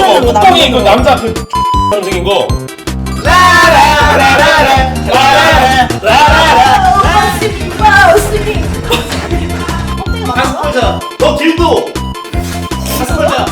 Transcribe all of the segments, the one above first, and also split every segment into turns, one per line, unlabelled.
남편으로
뚜껑이 그
남편으로.
남자 그 생긴 거.
가슴 걸자. 너 길도. 가슴 걸자.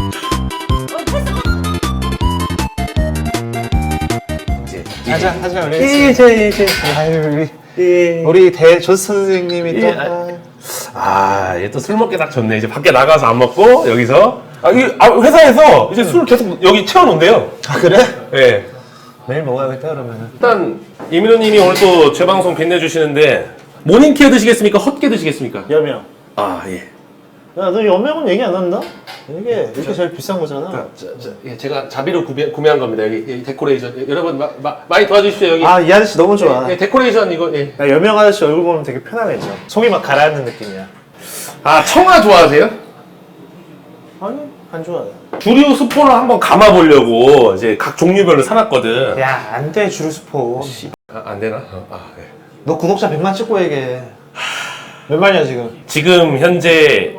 하자 우리 이제 아유 우리 대조스 선생님이 또
얘 또 술 먹기 딱 좋네. 이제 밖에 나가서 안 먹고 여기서 회사에서 이제 술 계속 여기 채워놓는데요.
아 그래?
예.
매일 먹어야겠다 그러면은.
일단 이민호님이 오늘 또 제 방송 빛내주시는데 모닝케어 드시겠습니까? 헛게 드시겠습니까?
여명.
아 예.
야너 여명은 얘기 안 한다? 이게 제일 비싼 거잖아.
예, 제가 자비로 구매한 겁니다. 여기 데코레이션 여러분 많이 도와주십시오 여기.
아 이 아저씨 너무 좋아.
예, 데코레이션 이거. 예.
야, 여명 아저씨 얼굴 보면 되게 편안해져. 속이 막 가라앉는 느낌이야.
아 청아 좋아하세요?
아니 안 좋아해.
주류 스폰을 한번 감아보려고 이제 각 종류별로 사놨거든.
야 안 돼 주루스포.
안 되나? 예.
너 구독자 100만 찍고 얘기해. 몇 만이야 지금?
지금 현재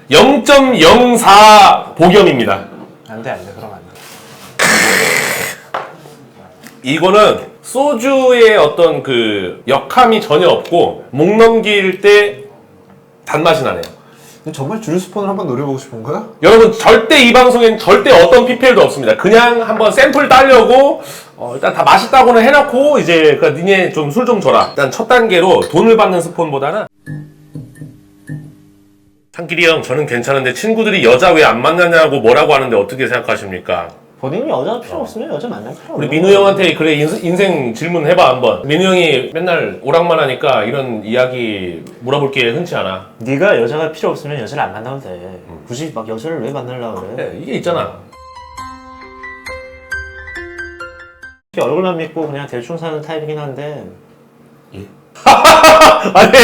0.04 복염입니다.
안돼 그럼 안 돼.
이거는 소주의 어떤 그 역함이 전혀 없고 목 넘길 때 단맛이 나네요.
정말 주루스폰을 한번 노려보고 싶은 거야?
여러분 절대 이 방송엔 절대 어떤 PPL도 없습니다. 그냥 한번 샘플 따려고 일단 다 맛있다고는 해놓고 이제 니네 좀 술 좀 줘라. 일단 첫 단계로 돈을 받는 스폰보다는 상길이 형 저는 괜찮은데 친구들이 여자 왜 안 만나냐고 뭐라고 하는데 어떻게 생각하십니까?
본인이 여자 필요 없으면 여자 만날 필요
우리
없는
민우 형한테 그래 인생 질문 해봐 한번. 민우 형이 맨날 오락만 하니까 이런 이야기 물어볼 게 흔치 않아.
네가 여자가 필요 없으면 여자를 안 만나도 돼. 굳이 막 여자를 왜 만나려고 그래?
네, 이게 있잖아.
얼굴만 믿고 그냥 대충 사는 타입이긴 한데.
아니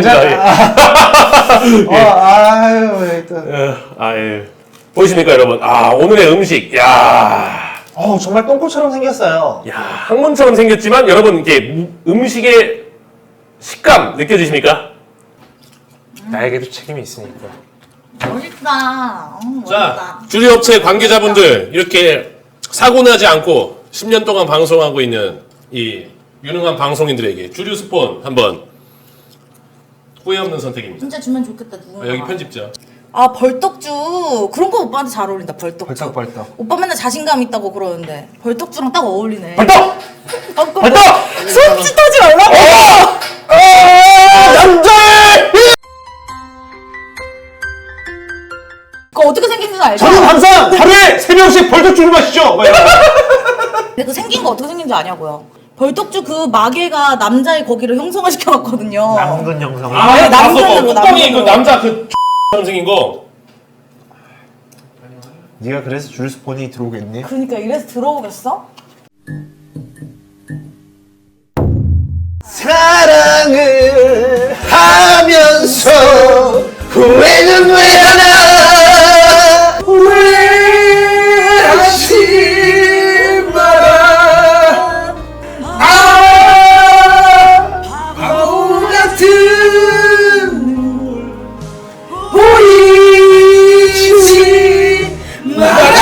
아유 왜 또.
예. 보이십니까 여러분? 오늘의 음식.
정말 똥꼬처럼 생겼어요.
항문처럼 생겼지만 여러분 이게 음식의 식감 느껴지십니까?
나에게도 책임이 있으니까.
멋있다.
자, 주류업체 관계자분들 이렇게 사고 나지 않고 10년 동안 방송하고 있는 이 유능한 방송인들에게 주류 스폰 한번 후회 없는 선택입니다.
진짜 주면 좋겠다 누군가.
여기 편집자.
벌떡주 그런 거 오빠한테 잘 어울린다. 벌떡주.
벌떡.
오빠 맨날 자신감 있다고 그러는데 벌떡주랑 딱 어울리네.
벌떡!
벌떡! 손짓하지 말라고.
남자의
그거 어떻게 생긴지 알죠?
저는 항상 하루에 3명씩 벌떡주를 마시죠.
근데 그 생긴 거 어떻게 생긴지 아냐고요? 벌떡주 그 마개가 남자의 거기를 형성화 시켜놨거든요.
남근 형성.
네, 남편으로,
뚜껑이 그
남편으로.
남자 그 처럼 생긴 거.
네가 그래서 주루스폰이 들어오겠니?
그러니까 이래서 들어오겠어?
사랑을 하면서 후회는 왜 하나 후회하지 마라 바보 같은 눈물 보이지 마라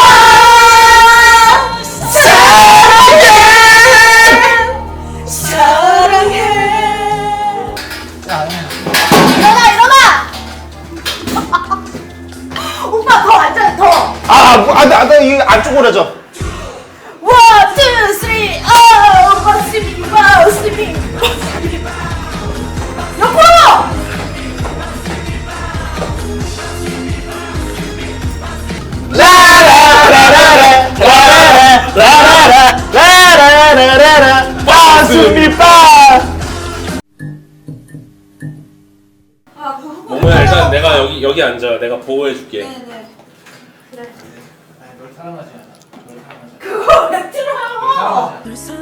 오빠 더 앉아 더.
나 이거 안 쪼그려져.
원, 투, 쓰리, 오빠 스밍, 와우 스밍. 옆으로.
라라라라라라라라라라 빠스미빠.
모모야 일단 내가 여기 앉아. 내가 보호해줄게.
네네. 그래. 널 사랑하지 않아. 그거 왜 틀어요?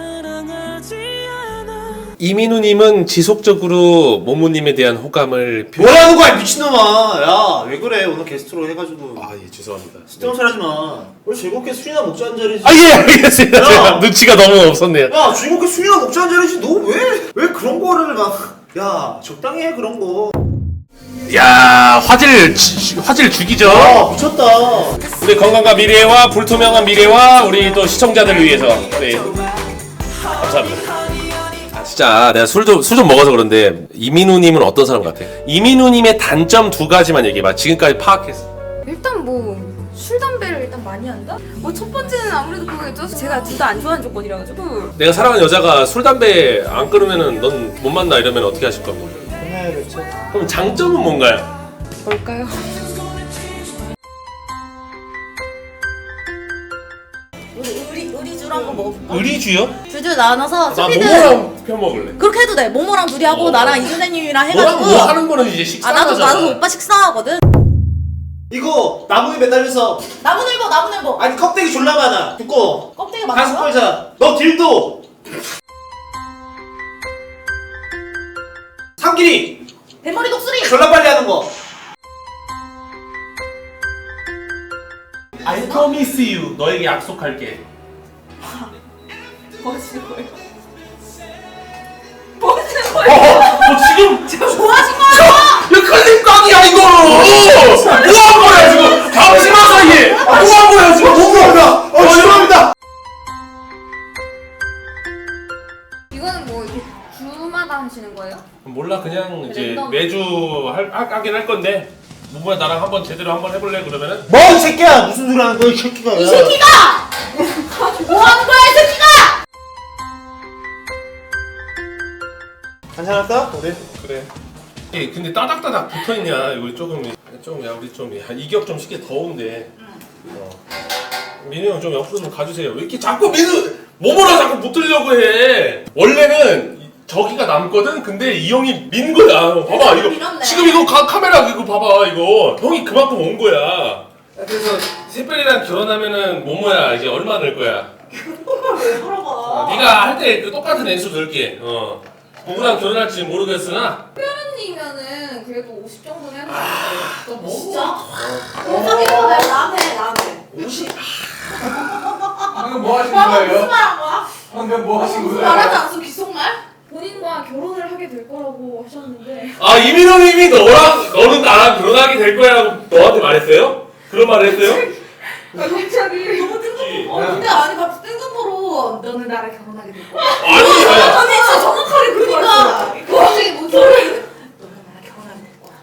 이민우님은 지속적으로 모모님에 대한 호감을
뭐라는 거야 미친놈아. 야 왜 그래 오늘 게스트로 해가지고.
예 죄송합니다.
쓸데없는 소리 하지 마. 우리 즐겁게 술이나 먹자는 자리지.
예 알겠습니다.
야.
제가 눈치가 너무 없었네요.
야 즐겁게 술이나 먹자는 자리지. 너 왜 그런 거를 막. 야 적당히 해 그런 거.
야 화질 죽이죠.
미쳤다.
우리 건강과 미래와 불투명한 미래와 우리 또 시청자들을 위해서 네. 감사합니다. 진짜 내가 술 좀 먹어서 그런데 이민우님은 어떤 사람 같아? 이민우님의 단점 두 가지만 얘기해봐. 지금까지 파악했어.
일단 뭐 술 담배를 일단 많이 한다? 뭐 첫 번째는 아무래도 그거겠죠. 제가 둘 다 안 좋아하는 조건이라 가지고.
내가 사랑하는 여자가 술 담배 안 끊으면은 넌 못 만나 이러면 어떻게 하실 겁니까?
끝내야겠죠.
그럼 장점은 뭔가요?
뭘까요?
의리줄 한번 먹어볼까?
의리주요?
줄줄 나눠서
나
스피드
모모랑 편 먹을래.
그렇게 해도 돼. 모모랑 둘이 하고 나랑 이준혜님이랑
너랑
해가지고.
뭐 하는 거는 이제 식사.
나도 오빠 식사하거든.
이거 나무에 매달려서
나무늘보.
아니 껍데기 졸라 많아. 두꺼워.
껍데기
다섯
많아.
걸자. 너 딜도. 삼길이
대머리 독수리.
졸라 빨리 하는 거.
I promise you. 너에게 약속할게.
뭐 하시는 거예요? 뭐 하시는 거예요?
지금
뭐 하신 거야?
이거 클립각이야 이거. 뭐한 거야 지금? 잠시만 사이에. 뭐한 거야 지금?
죄송합니다. 죄송합니다.
이거는 뭐 이렇게 주마다 하시는 거예요?
몰라 그냥 이제
랜덤.
매주 하긴 할 건데. 뭐야 나랑 한번 제대로 한번 해볼래 그러면은?
뭐 이 새끼야 무슨 소리 하는 거야 이 새끼가.
이 새끼가! 뭐 하는 거야 이 새끼가!
괜찮았다? 우리?
그래. 예, 근데 따닥따닥 붙어있냐? 이거 조금 야 우리 좀 이격 좀 시계 더운데. 민우 형 좀 옆으로 좀 가주세요. 왜 이렇게 자꾸 모모랑 자꾸 붙으려고 해? 원래는 저기가 남거든. 근데 이 형이 민 거야. 봐봐 이거
밀었네.
지금 이거 카메라 이거 봐봐 이거 형이 그만큼 온 거야. 그래서 새별이랑 결혼하면은 모모야 이제 얼마 낼 거야?
왜 물어봐?
네가 할 때 그 똑같은 액수 들게. 누구랑 결혼할지 모르겠으나.
특별한이면은 그래도 50 정도는 해볼 수 있어요.
또 뭐?
진짜? 사귀고 내가 남해.
50?
방금 뭐 하신
무슨
거예요?
말 한 거야?
방금 뭐 하신
무슨
거예요?
말하지 않았어 귓속말?
본인과 결혼을 하게 될 거라고 하셨는데.
아 이민호님이 너는 나랑 결혼하게 될 거야라고 너한테 말했어요? 그런 말을 했어요?
갑자기.
너무 뜬금포로. 근데 아니 갑자기 뜬금포로 너는 나랑 결혼하게 될 거야.
아니
아니 진짜 정확하게 그러니까 갑자기 뭔 소리? 너는 나랑 결혼하게 될 거야.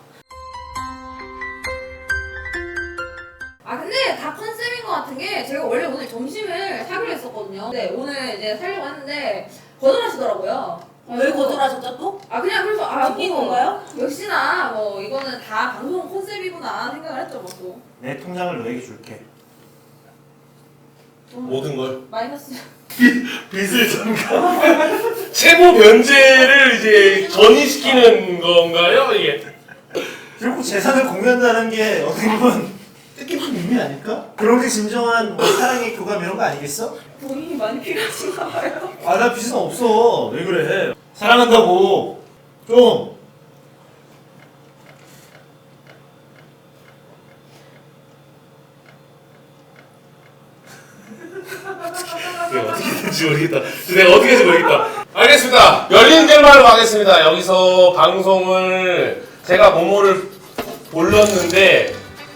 아 근데 다 컨셉인 것 같은 게 제가 원래 오늘 점심을 사기로 했었거든요. 근데 오늘 이제 살려고 했는데 거절하시더라고요.
왜 거절하셨죠 또?
아 그냥 그래서
바뀐 건가요?
역시나 뭐 이거는 다 방송 컨셉이구나 생각을 했죠 뭐 또.
내 통장을 너에게 줄게.
모든 걸
마이너스.
빚을 잠깐 채무 변제를 이제 전이시키는 건가요 이게?
결국 재산을 공유한다는 게 어떻게 보면 뜻깊은 의미 아닐까? 그런 게 진정한 뭐 사랑의 교감 이런 거 아니겠어?
돈이 많이 필요하신가 봐요.
아 나 빚은 없어. 왜 그래? 사랑한다고 좀.
내가 어떻게 될지 모르겠다. 알겠습니다. 열린 결말로 가겠습니다. 여기서 방송을 제가 모모를 올렸는데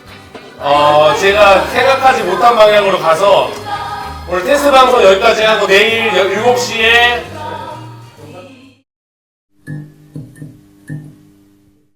제가 생각하지 못한 방향으로 가서 오늘 테스트 방송 여기까지 하고 내일 7시에